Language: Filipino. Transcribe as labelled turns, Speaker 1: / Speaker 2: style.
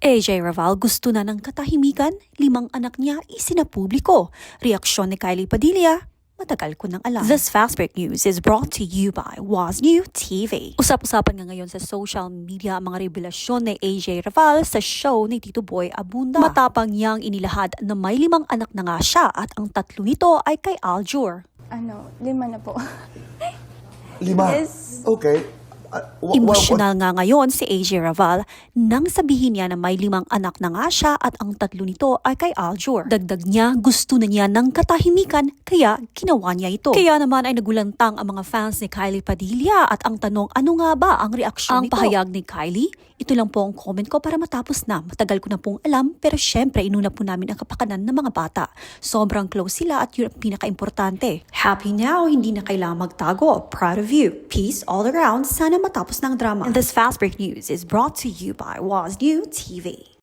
Speaker 1: AJ Raval gusto na ng katahimikan, 5 anak niya isinapubliko. Reaksyon ni Kylie Padilla, matagal ko nang alam. This fast break news is brought to you by Was New TV. Usap-usapan nga ngayon sa social media ang mga revelasyon ni AJ Raval sa show ni Tito Boy Abunda. Matapang niyang inilahad na may 5 anak na nga siya at ang 3 nito ay kay Aljur.
Speaker 2: 5 na po.
Speaker 3: 5?
Speaker 2: Yes.
Speaker 3: Okay.
Speaker 1: Emosyonal nga ngayon si AJ Raval nang sabihin niya na may 5 anak na nga siya at ang 3 nito ay kay Aljur. Dagdag niya, gusto na niya ng katahimikan kaya ginawa niya ito. Kaya naman ay nagulantang ang mga fans ni Kylie Padilla at ang tanong, ano nga ba ang reaksyon nito? Ang pahayag ni Kylie, ito lang po ang comment ko para matapos na. Matagal ko na pong alam pero syempre inuna po namin ang kapakanan ng mga bata. Sobrang close sila at yun ang pinaka-importante. Happy now, hindi na kailangang magtago. Proud of you. Peace all around. Sana matapos ng drama. And this fast break news is brought to you by Was New TV.